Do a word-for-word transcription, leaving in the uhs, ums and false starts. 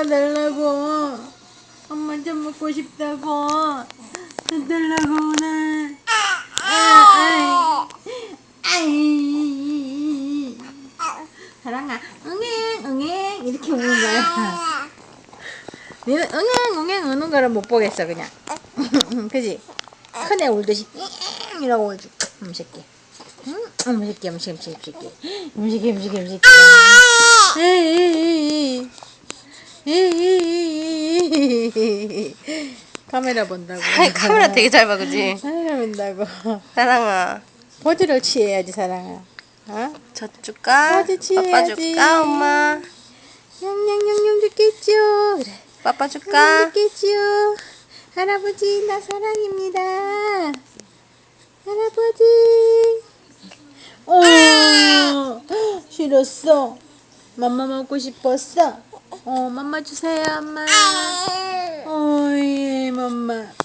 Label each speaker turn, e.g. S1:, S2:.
S1: 달라고. 엄마 좀 먹고 싶다고. 좀 달라고 나. 아, 아이. 아이. 사랑아, 응애, 응애 이렇게 우는 거야. 니는 응애, 응애 우는 거를 못 보겠어 그냥. 그지? 큰애 울듯이 잉 이라고 울지. 음 새끼. 응? 음 새끼, 음 새끼, 음 새끼, 음 새끼, 음 새끼, 음 새끼. 에이, 에이, 에이. 카메라 본다고.
S2: 아이, 카메라 되게 잘 봐, 그지?
S1: 카메라 본다고.
S2: 사랑아,
S1: 포즈를 취해야지 사랑아. 어?
S2: 젖 줄까?
S1: 포즈
S2: 빠빠
S1: 취해야지.
S2: 줄까, 엄마?
S1: 냥냥냥냥 좋겠죠. 그래.
S2: 빠빠
S1: 냥
S2: 줄까?
S1: 좋겠죠. 할아버지 나 사랑입니다. 할아버지. 어, 싫었어. 맘마 먹고 싶었어. 어, 맘마 주세요, 엄마. 어이, 맘마.